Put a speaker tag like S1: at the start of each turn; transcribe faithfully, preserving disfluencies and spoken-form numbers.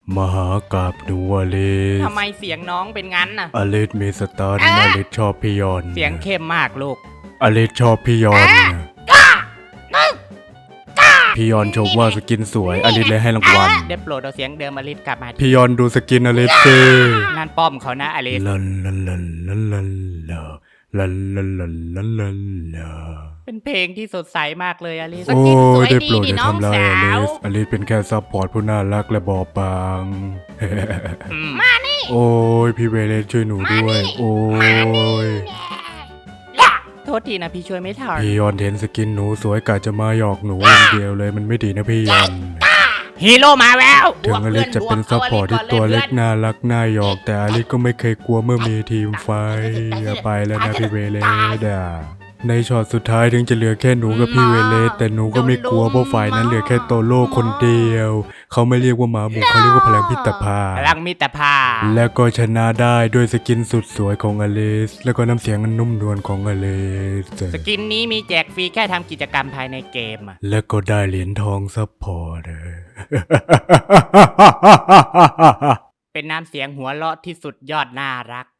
S1: มหากาบหนูอลิส
S2: ทำไมเสียงน้องเป็นงั้นน่ะ
S1: อลิสมีสตาร์อลิสชอบพี่ยอน
S2: เสียงเข้มมากลูก
S1: อลิสชอบพี่ยอนพี่ยอนชมว่าสกินสวยอลิสเลยให้รางวัล
S2: ได้โปรดเอาเสียงเดิมอลิสกลับมา
S1: พี่ยอนดูสกินอลิสสิ
S2: นั่นป้อมเขานะอลิส
S1: ลันลันลันลันลันลันลันลันลันลันลันลา
S2: เป็นเพลงที่สดใสมากเลยอลิส
S1: โอ้ยได้โปรดอย่าทำร้ายอลิสอลิสเป็นแค่ซัพพอร์ตผู้น่ารักและบอบบาง
S2: มานี่
S1: โอ้ยพี่เวเลนช่วยหนูด้วยโอ้ย
S2: โทษทีนะพี่ช่วยไม่ทัน
S1: พี่ยอนเห็นสกินหนูสวยกะจะมาหยอกหนูอย่างเดียวเลยมันไม่ดีนะพี่ยอน
S2: ฮีโร่มาแล้ว
S1: ถึงอลิสจะเป็นซัพพอร์ตที่ตัวเล็กน่ารักน่าหยอกแต่อลิสก็ไม่เคยกลัวเมื่อมีทีมไฟอย่าไปแล้วนะพี่เวเลสในช็อตสุดท้ายถึงจะเหลือแค่หนูกับพี่เวเลสแต่หนูก็ไม่กลัวเพราะฝ่ายนั้นเหลือแค่โตโร่คนเดียวเขาไม่เรียกว่าหมาบุกเขาเรียกว่าพลังพิตรภา
S2: พลังมิตรภาพ
S1: แล้วก็ชนะได้ด้วยสกินสุดสวยของอลิสแล้วก็น้ำเสียงอันนุ่มนวลของอลิส
S2: สกินนี้มีแจกฟรีแค่ทำกิจกรรมภายในเกม
S1: แล้วก็ได้เหรียญทองซัพพอร์ต
S2: เป็นน้ำเสียงหัวเราะที่สุดยอดน่ารัก